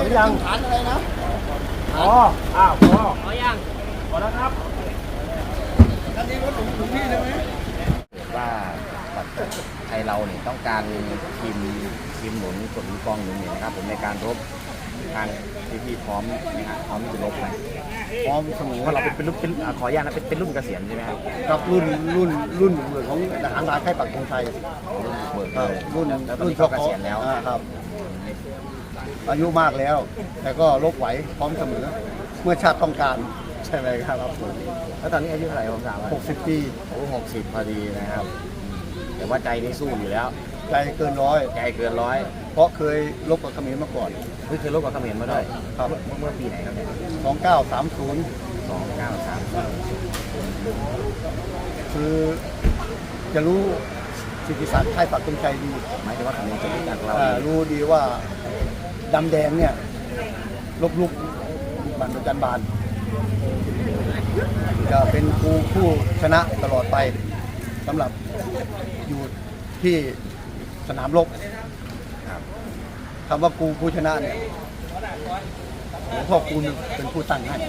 อยังฐานอะไรนะอ๋ออ้าวพอยังพอแล้วครับอันนี้รถถึงที่เลยไหมว่าไทยเราเนี่ยต้องการทีมหนุนกองกองหนุนเนี่ยนะครับผมในการรบทางพี่พร้อมนะครับพร้อมที่จะรบไหมพร้อมเสมอเพราะเราเป็นขออนุญาตนะเป็นรุ่นเกษียณใช่ไหมครับกับรุ่นเหมือนของทหารราค่ายปักธงชัยรุ่นเขาเกษียณแล้วครับอายุมากแล้วแต่ก็รบไหวพร้อมเสมอเมื่อชาติต้องการใช่ไหมครับแล้วตอนนี้อายุเท่าไหร่ผมถามว่า 60 ปีโอ้60พอดีนะครับแต่ว่าใจนี่สู้อยู่แล้วใจเกินร้อยใจเกินร้อยเพราะเคยรบกับเขมรมาก่อนเคยรบกับเขมรมาด้วยครับเมื่อปีไหนครับเนี่ย 2930คือจะรู้สิทธิศาสตร์ค่ายปักธงชัยดีหมายถึงว่าเขมรจะรู้จักเรารู้ดีว่าดำแดงเนี่ยลบลุกบันประจันบานจะเป็นผู้ชนะตลอดไปสำหรับอยู่ที่สนามรบคำว่าผู้ชนะเนี่ยหลวงพ่อคูณเป็นผู้ตั้งให้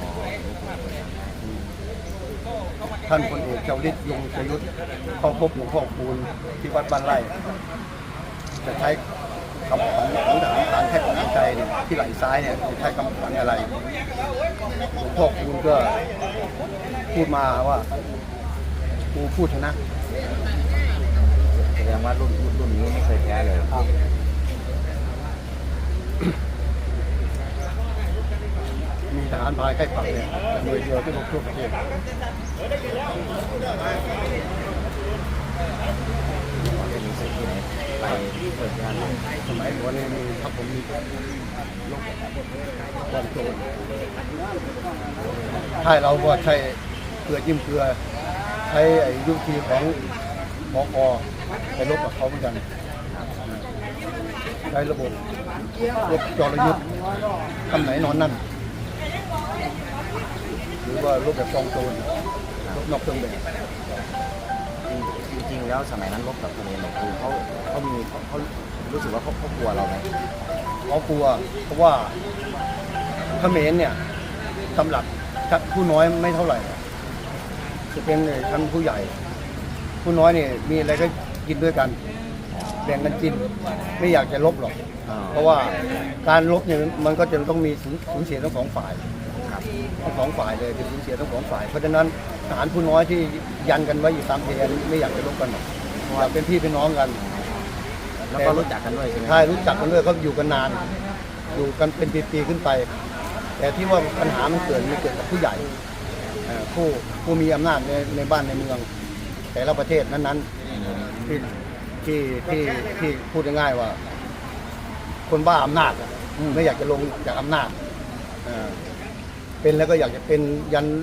ท่านพลเอกเจ้าฤทธิ์ยงชยุทธเข้าพบหลวงพ่อคูณที่วัดบ้านไร่จะใช้คำขวัญของทหารผ่านแค่ของใจเนี่ยที่ไหล่ซ้ายเนี่ยจะใช้คำขวัญอะไรหลวงพ่อคูณก็พูดมาว่ากูพูดชนะแสดงว่ารุ่นนี้ไม่เคยแพ้เลยครับมีทหารพายใกล้ปักเนี่ยหน่วยเดียวที่รบทั่วประเทศมีสิ่งที่ไหนไปเปิดงานสมัยก่อนนี่มีครับผมมีลบกองโจรใช่เราก็ใช้เกลือจิ้มเกลือใช้ยุทธีของหมอกไปลบกับเขาเหมือนกันใช้ระบบรบจรยุทธ์คำไหนนอนนั่นหรือว่ารบแบบกองโจรรบนอกเครื่องแบบจริงๆแล้วสมัยนั้นรบกับเขมรเนี่ยคือเขารู้สึกว่าเขากลัวเราไหมเขากลัวเพราะว่าเขมรเนี่ยสำหรับผู้น้อยไม่เท่าไหร่จะเป็นชั้นผู้ใหญ่ผู้น้อยเนี่ยมีอะไรก็กินด้วยกันแบ่งกันกินไม่อยากจะลบหรอกเพราะว่าการลบเนี่ยมันก็จะต้องมีสูญเสียทั้งสองฝ่ายทั้งสองฝ่ายเลยเป็นสูญเสียทั้งสองฝ่ายเพราะฉะนั้นทหารผู้น้อยที่ยันกันไว้อยู่ตามเพลนไม่อยากจะลบกันหรอกอยากเป็นพี่เป็นน้องกันแล้วก็รู้จักกันด้วยใช่ไหมใช่รู้จักกันด้วยเขาอยู่กันนานอยู่กันเป็นปีๆขึ้นไปแต่ที่ว่าปัญหามันเกิดกับผู้ใหญ่ผู้มีอำนาจในบ้านในเมืองแต่ละประเทศนั้นๆที่พูดง่ายๆว่าคนบ้าอำนาจไม่อยากจะลงจากอำนาจเป็นแล้วก็อยากจะเป็นยัน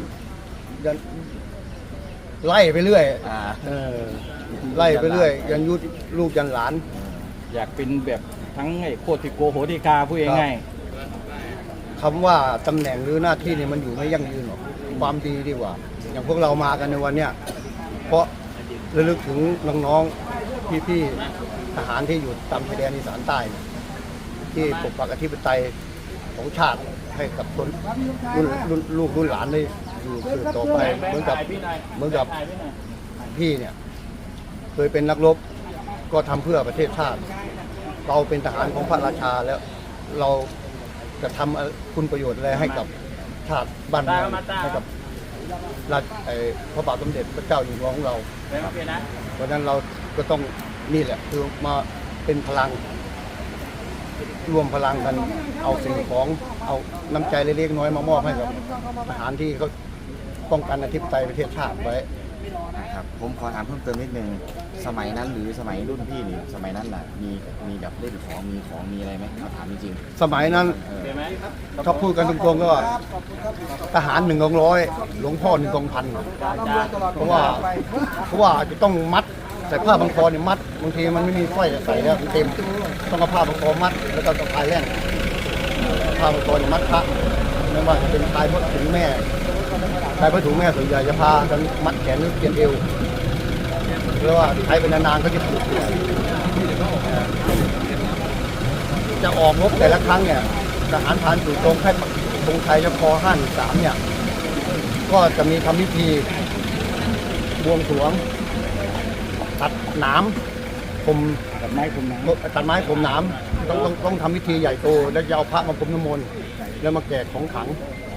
ไล่ไปเรื่อยไล่ไปเรื่อยยันยุลูกยันหลานอยากเป็นแบบทั้งไอ้โคติโกโหติกาผู้ง่ายคำว่าตำแหน่งหรือหน้าที่เนี่ยมันอยู่ไม่ยั่งยืนหรอกความดีดีกว่าอย่างพวกเรามากันในวันเนี้ยเพราะระลึกถึงน้องๆพี่ๆทหารที่อยู่ตามชายแดนอีสานใต้ที่ปกปักอธิปไตยของชาติให้กับคนลูกรุ่นหลานได้อยู่สืบต่อไปเหมือนกับพี่เนี่ยเคยเป็นนักรบก็ทำเพื่อประเทศชาติเราเป็นทหารของพระราชาแล้วเราจะทำคุณประโยชน์อะไรให้กับชาติบ้านเมืองให้กับพระบาทสมเด็จพระเจ้าอยู่หัวของเราเพราะฉะนั้นเราก็ต้องนี่แหละคือมาเป็นพลังรวมพลังกันเอาสิ่งของเอาน้ำใจเล็กๆน้อยมามอบให้กับทหารที่เขาป้องกันอธิปไตยประเทศชาติไว้ครับผมขอถามเพิ่มเติมนิดนึงสมัยนั้นหรือสมัยรุ่นพี่นี่สมัยนั้นน่ะมีแบบเล่นของมีอะไรไหมถามจริงสมัยนั้นถ้าพูดกันตรงๆก็ทหาร1 กองร้อยหลวงพ่อ1 กองพันเพราะว่าจะต้องมัดใส่ผ้าพันคอเนี่ยมัดบางทีมันไม่มีสร้อยใส่แล้วเต็มต้องเอาผ้าพันคอมัดแล้วก็พายแล่นผ้าพันคอเนี่ยมัดพระไม่ว่าจะเป็นพายพระถุงแม่พายพระถุงแม่ส่วนใหญ่จะพากันมัดแขนหรือเปลี่ยนเอวเพราะว่าใช้เป็นนานๆเขาจะปวดจะออกรบแต่ละครั้งเนี่ยทหารพรานสู่ตรงค่ายปักธงชัยยค513เนี่ยก็จะมีทำพิธีบวงสรวงตัดหนามผมตัดไม้ผมน้ตัดไม้ผมหนามต้องทำพิธีใหญ่โตแล้วจะเอาพระมาพรมน้ำมนต์แล้วมาแจกของขลัง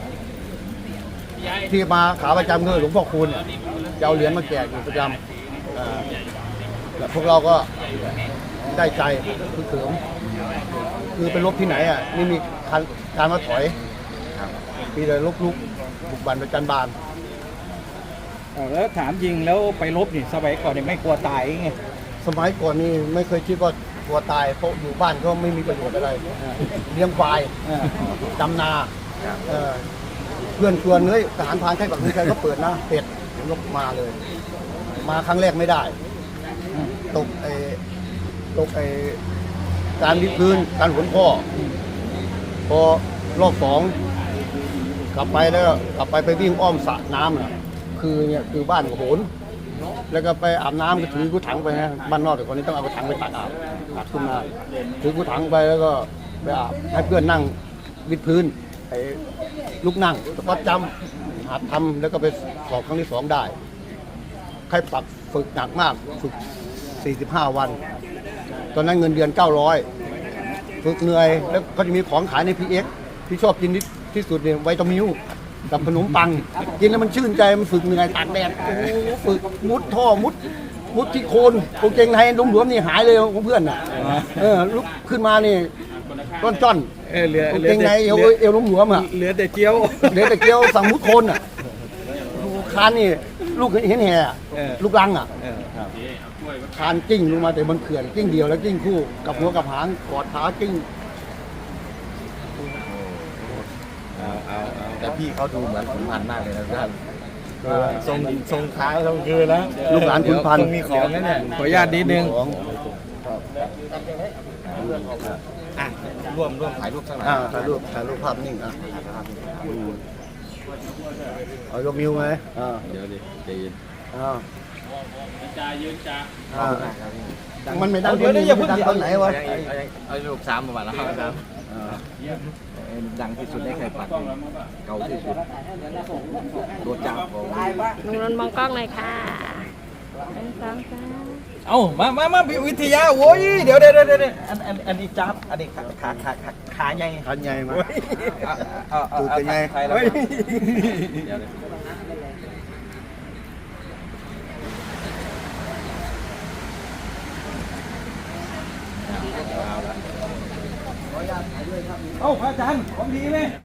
ที่มาขาประจำคือหลวงพ่อคูณเนี่ยจะเอาเหรียญมาแจกอยู่ประจำแล้วพวกเราก็ได้ใจคือเขิมคือไปรบที่ไหนอ่ะนี่มีการมาถอยครับมีแต่ลบลุกบุกบันประจันบานำแล้วถามจริงแล้วไปรบนี่สมัยก่อนนี่ไม่กลัวตายไงสมัยก่อนนี่ไม่เคยคิดว่ากลัวตายเพราะอยู่บ้านก็ไม่มีประโยชน์อะไรเลี้ยงควายอ่าดำนาครับเพื่อนชวนเฮ้ยทหารพรานค่ายปักธงชัยก็เปิดนะเป็ดผมก็มาเลย มาครั้งแรกไม่ได้ ตกการวิดพื้นการหนพ่อพอรอบสองกลับไปแล้วก็กลับไปวิ่งอ้อมสระน้ำน่ะคือเนี่ยคือบ้านของโหนแล้วก็ไปอาบน้ำก็ถือกุถังไปนะบ้านนอกแต่คนนี้ต้องเอากุถังไปตักอาบขึ้นมาถือกุถังไปแล้วก็ไปอาบให้เพื่อนนั่งวิดพื้นไอ้ลูกนั่งก็จำหัดทำแล้วก็ไปสอบครั้งที่2ได้ใครปักฝึกหนักมากฝึก45 วัน ตอนนั้นเงินเดือน900ฝึกเหนื่อยแล้วก็จะมีของขายใน PX ที่ชอบกินที่สุดเนี่ยไวตามิลกับขนมปัง กินแล้วมันชื่นใจมันฝึกเหนื่อยตากแดดโอ้โหฝึกมุดท่อมุดที่โคนกางเกงในหลวมๆนี่หายเลยของเพื่อนน่ะลุกขึ้นมานี่ต้นจ้อนเหลือกางเกงในเอวหลวมๆอ่ะเหลือแต่เจียวเหลือแต่เกี๊ยวสั่งมุดโคนอ่ะคานนี่ลูกเห็นแห่อะลูกลังอ่ะครับคานกิ้งลงมาแต่บนเขื่อนกิ้งเดียวแล้วกิ้งคู่กับหัวกับหางกอดขากิ้งเอาแต่พี่เขาดูเหมือนขุนพันธุ์มากเลยนะท่านทรงค้างทรงคืนนะลูกหลานขุนพันธุ์ต้องมีของนะเนี่ยขออนุญาตนิดนึงของอ่ะร่วมถ่ายรูปสักหน่อยถ่ายรูปภาพนิ่งเอายกนิ้วไหมเดี๋ยวดิใจเย็นมันไม่ดังเดี๋ยวอย่าเพิ่งดังตอนไหนวะเอารูป3ประมาณแล้วครับดังที่สุดได้ใครปักเก่าที่สุดตัวจับผมลุงนนท์มองกล้องหน่อยค่ะหนึ่งสองสามเอามาวิทยาโว้ยเดี๋ยวอันนี้จับอันนี้ขาใหญ่ขันใหญ่มาเอาตูดเป็นไงไทยแล้วเดี๋ยวเอาพระอาจารย์ของดีไหม